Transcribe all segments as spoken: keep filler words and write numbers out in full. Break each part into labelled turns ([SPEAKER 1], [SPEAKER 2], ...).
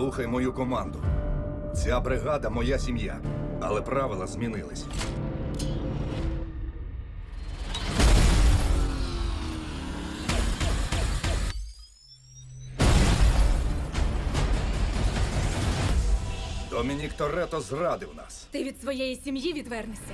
[SPEAKER 1] Слухай мою команду. Ця бригада – моя сім'я, але правила змінились. Домінік Торетто зрадив нас.
[SPEAKER 2] Ти від своєї сім'ї відвернешся.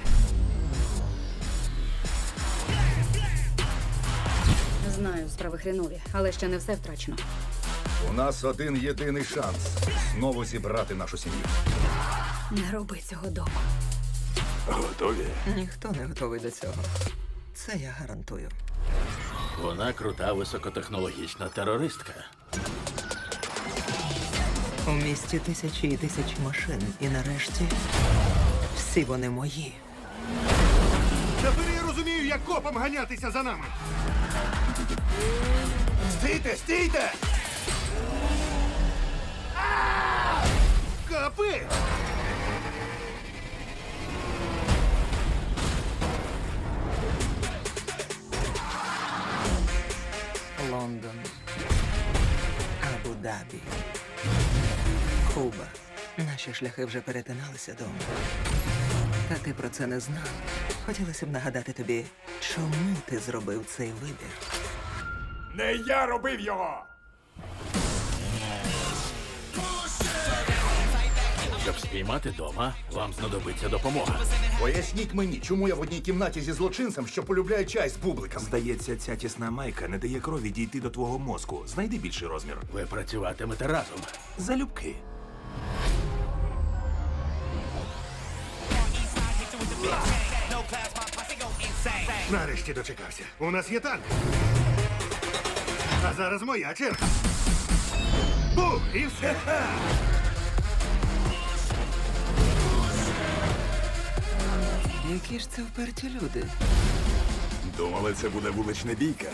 [SPEAKER 2] Знаю, справи хренові, але ще не все втрачено.
[SPEAKER 1] У нас один єдиний шанс знову зібрати нашу сім'ю.
[SPEAKER 2] Не роби цього дома.
[SPEAKER 3] Готові?
[SPEAKER 4] Ніхто не готовий до цього. Це я гарантую.
[SPEAKER 3] Вона крута високотехнологічна терористка.
[SPEAKER 4] У місті тисячі і тисячі машин. І нарешті всі вони мої.
[SPEAKER 5] Тепер я розумію, як копам ганятися за нами.
[SPEAKER 1] Стійте, стійте!
[SPEAKER 5] Капи!
[SPEAKER 4] Лондон, Абу-Дабі, Куба. Наші шляхи вже перетиналися дома. Та ти про це не знав. Хотілося б нагадати тобі, чому ти зробив цей вибір.
[SPEAKER 5] Не я робив його!
[SPEAKER 3] Щоб спіймати дома, вам знадобиться допомога.
[SPEAKER 1] Поясніть мені, чому я в одній кімнаті зі злочинцем, що полюбляє чай з бубликом.
[SPEAKER 5] Здається, ця тісна майка не дає крові дійти до твого мозку. Знайди більший розмір.
[SPEAKER 3] Ви працюватимете разом.
[SPEAKER 5] Залюбки. Нарешті дочекався. У нас є танк. А зараз моя черга. Бум! І все.
[SPEAKER 4] Які ж це вперті люди?
[SPEAKER 5] Думали, це буде вулична бійка.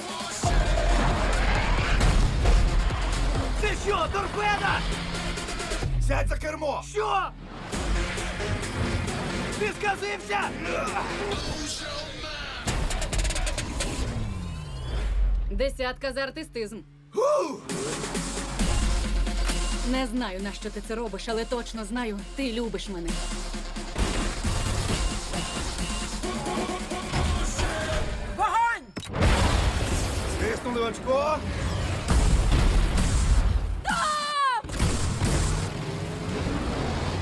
[SPEAKER 6] Це що, торпеда?
[SPEAKER 1] Сядь за кермо!
[SPEAKER 6] Що? Ти сказився?
[SPEAKER 2] Десятка за артистизм. Не знаю, на що ти це робиш, але точно знаю, ти любиш мене.
[SPEAKER 6] Вогонь!
[SPEAKER 1] Стиснули очко!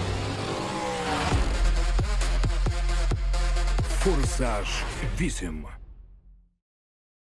[SPEAKER 5] Форсаж вісім.